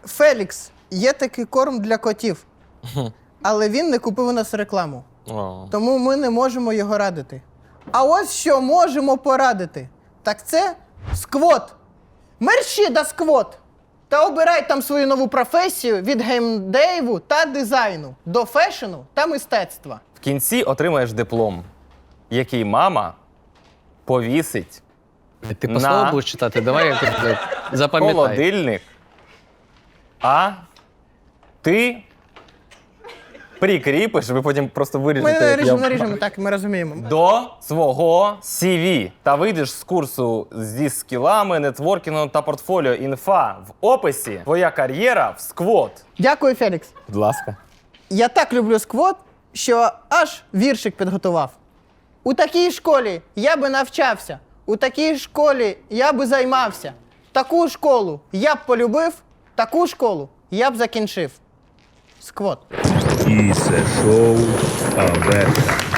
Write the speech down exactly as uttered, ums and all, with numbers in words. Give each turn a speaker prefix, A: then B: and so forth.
A: Фелікс, є такий корм для котів, але він не купив у нас рекламу.
B: О.
A: Тому ми не можемо його радити. А ось що можемо порадити. Так це сквот. Мерщі да сквот. Та обирай там свою нову професію від геймдеву та дизайну до фешену та мистецтва.
B: В кінці отримаєш диплом, який мама повісить
C: Ти по
B: На.
C: слову будеш читати? Давай якось блядь,
B: в
C: запам'ятай.
B: холодильник, а ти прикріпиш, ви потім просто
A: Ми
B: виріжете, як
A: наріжемо,
B: я...
A: наріжемо, так, ми розуміємо.
B: до свого сі ві та вийдеш з курсу зі скілами, нетворкінгом та портфоліо. Інфа в описі. Твоя кар'єра в сквот.
A: Дякую, Фелікс.
B: Будь ласка.
A: Я так люблю сквот, що аж віршик підготував. У такій школі я би навчався, у такій школі я би займався. Таку школу я б полюбив, таку школу я б закінчив. Сквот.
D: І це шоу Аверта.